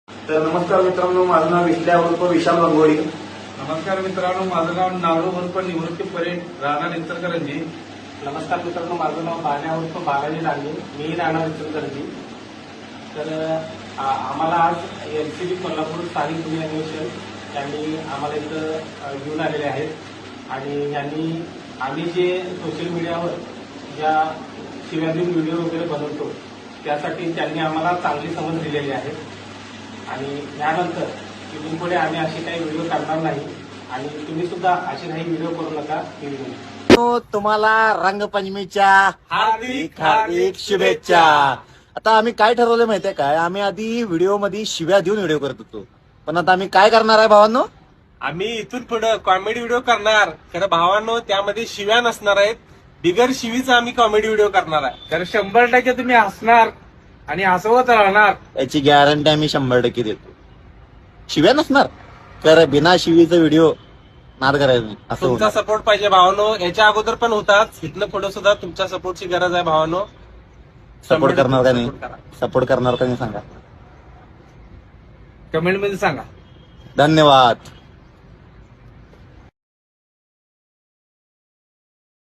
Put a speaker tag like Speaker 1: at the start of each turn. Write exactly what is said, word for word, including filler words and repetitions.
Speaker 1: तर नमस्कार मित्रांनो, माझं नाव विश्ल्या उर्फ विशाल गंगोळी.
Speaker 2: नमस्कार मित्रांनो, माझं नाव नारू उर्फ निवृत्ती परेड, राहणार इचलकरंजी.
Speaker 3: नमस्कार मित्रांनो, माझं नाव बाल्या उर्फ बालाजी डांगे, मी राहणार इचलकरंजी. तर आ- आम्हाला आज एल सी बी कोल्हापूर स्थानिक गुन्हे अन्वेषण यांनी आम्हाला इथं अ, घेऊन आलेले आहेत आणि यांनी आम्ही जे सोशल मीडियावर ज्या शिव्याधीन व्हिडिओ वगैरे बनवतो त्यासाठी त्यांनी आम्हाला चांगली समज दिलेली आहे आणि यानंतर इथून पुढे आम्ही असे काही व्हिडिओ करणार नाही आणि तुम्ही सुद्धा असे काही व्हिडिओ करू नका ही विनंती.
Speaker 4: तो तुम्हाला रंगपंचमीच्या
Speaker 2: हार्दिक
Speaker 4: हार्दिक शुभेच्छा. आता आम्ही काय ठरवलं माहितीये काय, आम्ही आधी व्हिडिओ मध्ये शिव्या देऊन व्हिडिओ करत होतो, पण आता आम्ही काय करणार आहे भावांनो,
Speaker 5: आम्ही इथून पुढे कॉमेडी व्हिडिओ करणार. खरं भावांनो, त्यामध्ये शिव्या नसणार आहेत. बिगर शिवीचा आम्ही कॉमेडी व्हिडिओ करणार आहे.
Speaker 2: तर शंभर टक्के तुम्ही हसणार आणि हसवत राहणार.
Speaker 4: याची गॅरंटी आम्ही शंभर टक्के देतो. शिव्या नसणार, तर बिना शिवीचा व्हिडिओ नाद करायचं नाही असं
Speaker 5: तुमचा
Speaker 4: होणार.
Speaker 5: सपोर्ट पाहिजे भावांनो. याच्या अगोदर पण होताच, इथनं पुढे सुद्धा तुमच्या सपोर्टची गरज आहे भावांनो.
Speaker 4: सपोर्ट करणार का नाही,
Speaker 5: Support करा.
Speaker 4: सपोर्ट करणार का नाही सांगा.
Speaker 2: कमेंट मध्ये सांगा.
Speaker 4: धन्यवाद.